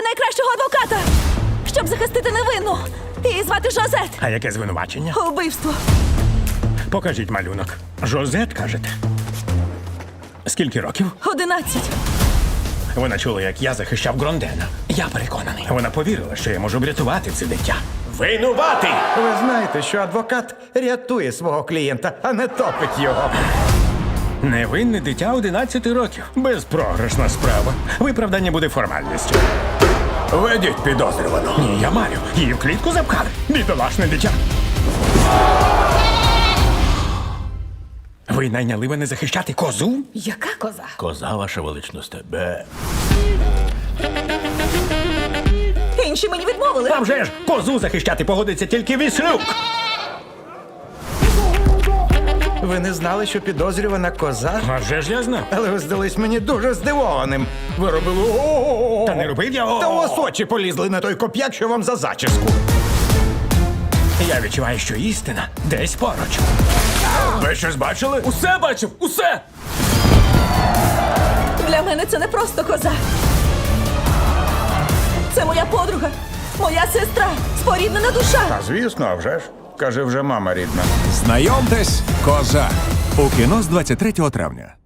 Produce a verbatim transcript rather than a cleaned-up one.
найкращого адвоката, щоб захистити невинну. Її звати Жозет. А яке звинувачення? Убивство. Покажіть малюнок. Жозет, кажете? Скільки років? Одинадцять. Вона чула, як я захищав Грондена. Я переконаний. Вона повірила, що я можу врятувати це дитя. Винуватий! Ви знаєте, що адвокат рятує свого клієнта, а не топить його. Невинне дитя одинадцяти років. Безпрограшна справа. Виправдання буде формальністю. Ведіть підозрювану. Ні, я маю. Її в клітку запхали. Бідолашне дитя. Ви найняли мене захищати козу? Яка коза? Коза, ваша величність, тебе. Інші мені відмовили. А вже ж, козу захищати погодиться тільки Віслюк. Ви не знали, що підозрювана коза? А вже ж я знав. Але ви здались мені дуже здивованим. Ви робили о-о-о. Та не робив я. Та у вас очі полізли на той коп'як, що вам за зачіску. Я відчуваю, що істина десь поруч. Ви щось бачили? Усе бачив, усе! Для мене це не просто коза. Це моя подруга, моя сестра, споріднена душа. А звісно, а вже ж. Каже, вже мама рідна. Знайомтесь, коза. У кіно з двадцять третього травня.